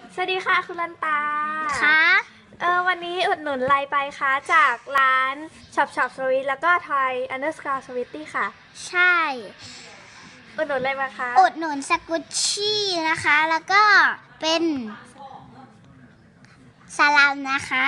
สวัสดีค่ะคุณลันตาค่ะวันนี้อุดหนุนอะไรไปคะจากร้านช็อปสวิตแล้วก็ทอย_สวิตตี้ค่ะใช่อุดหนุนอะไรมาคะอุดหนุนสกุชชี่นะคะแล้วก็เป็นสลัมนะคะ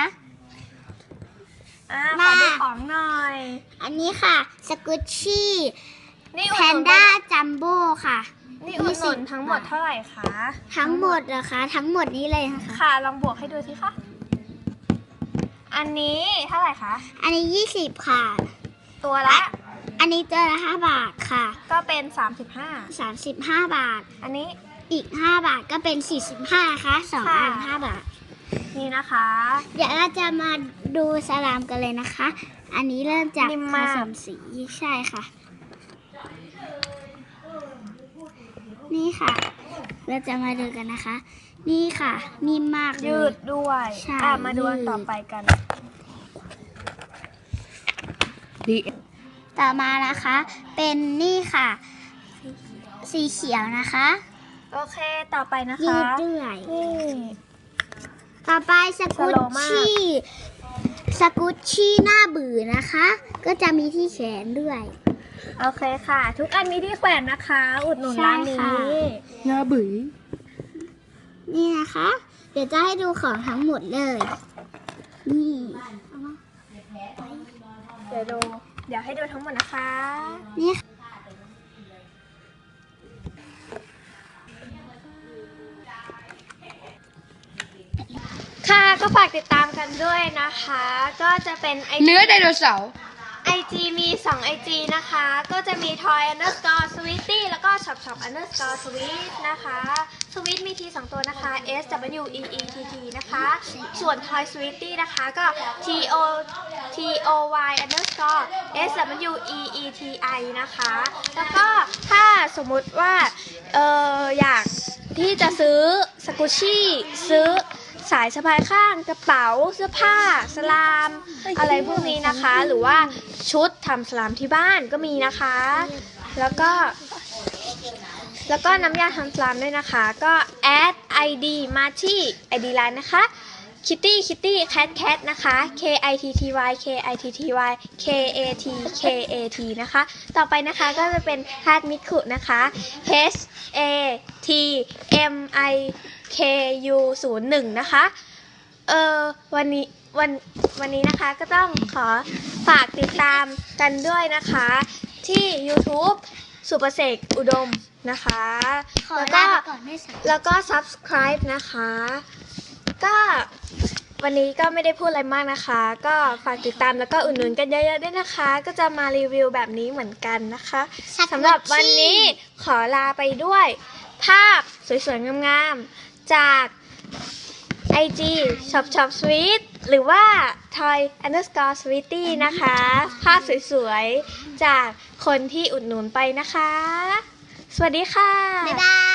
ขอดูของหน่อยอันนี้ค่ะสกุชชี่นี่แพนด้าจัมโบ้ค่ะนี่อุดหนุนทั้งหมดเท่าไหร่คะทั้งหมดเหรอคะทั้งหมดนี้เลยนะคะค่ะลองบวกให้ดูสิคะอันนี้เท่าไหร่คะอันนี้20ค่ะตัวละอันนี้ตัวละ5 บาทค่ะก็เป็น 35 บาทอันนี้อีก5 บาทก็เป็น45นะคะ2 อัน5 บาทนี่นะคะเดี๋ยวเราจะมาดูสลามกันเลยนะคะอันนี้เริ่มจากผสมสีใช่ค่ะนี่ค่ะเราจะมาดูกันนะคะนี่ค่ะนิ่มมากเลยยืดด้วยใช่มาดูอันต่อไปกันต่อมานะคะเป็นนี่ค่ะสีเขียวนะคะโอเคต่อไปนะคะยืดด้วยนี่ต่อไปสกุชชี่หน้าบือนะคะก็จะมีที่แขนด้วยโอเคค่ะทุกอันมีที่แขวนนะคะอุดหนุนร้านนี้หน้าบือนี่นะคะเดี๋ยวจะให้ดูของทั้งหมดเลยนี่เดี๋ยวให้ดูทั้งหมดนะคะนี่ค่ะก็ฝากติดตามกันด้วยนะคะก็จะเป็นเนื้อไดโนเสาร์ IG มี2 IG นะคะก็จะมี toy_sweetie แล้วก็ shop_sweet นะคะสวีทมีที2ตัวนะคะ SWEETT นะคะส่วน toy sweetie นะคะก็ TOY_SWEETI นะคะแล้วก็ถ้าสมมุติว่าอยากที่จะซื้อสกุชชี่ซื้อสายสะพายข้างกระเป๋าเสื้อผ้าสลามอะไรพวกนี้นะคะหรือว่าชุดทำสลามที่บ้านก็มีนะคะแล้วก็น้ำยาทำสลามด้วยนะคะก็แอด ID มาที่ ID ไลน์นะคะ Kitty Cat นะคะ KITTYนะคะต่อไปนะคะก็จะเป็นฮาร์ดมิคุนะคะ HATMIKU01 นะคะวันนี้นะคะก็ต้องขอฝากติดตามกันด้วยนะคะที่ YouTube สุประเสกอุดมนะคะแล้วก็ Subscribe นะคะก็วันนี้ก็ไม่ได้พูดอะไรมากนะคะก็ฝากติดตามแล้วก็อุดหนุนกันเยอะๆด้วยนะคะก็จะมารีวิวแบบนี้เหมือนกันนะคะสำหรับวันนี้ขอลาไปด้วยภาพสวยๆงามๆจาก IG shop sweet หรือว่า toy_sweetie นะคะภาพสวยๆจากคนที่อุดหนุนไปนะคะสวัสดีค่ะบ๊ายบาย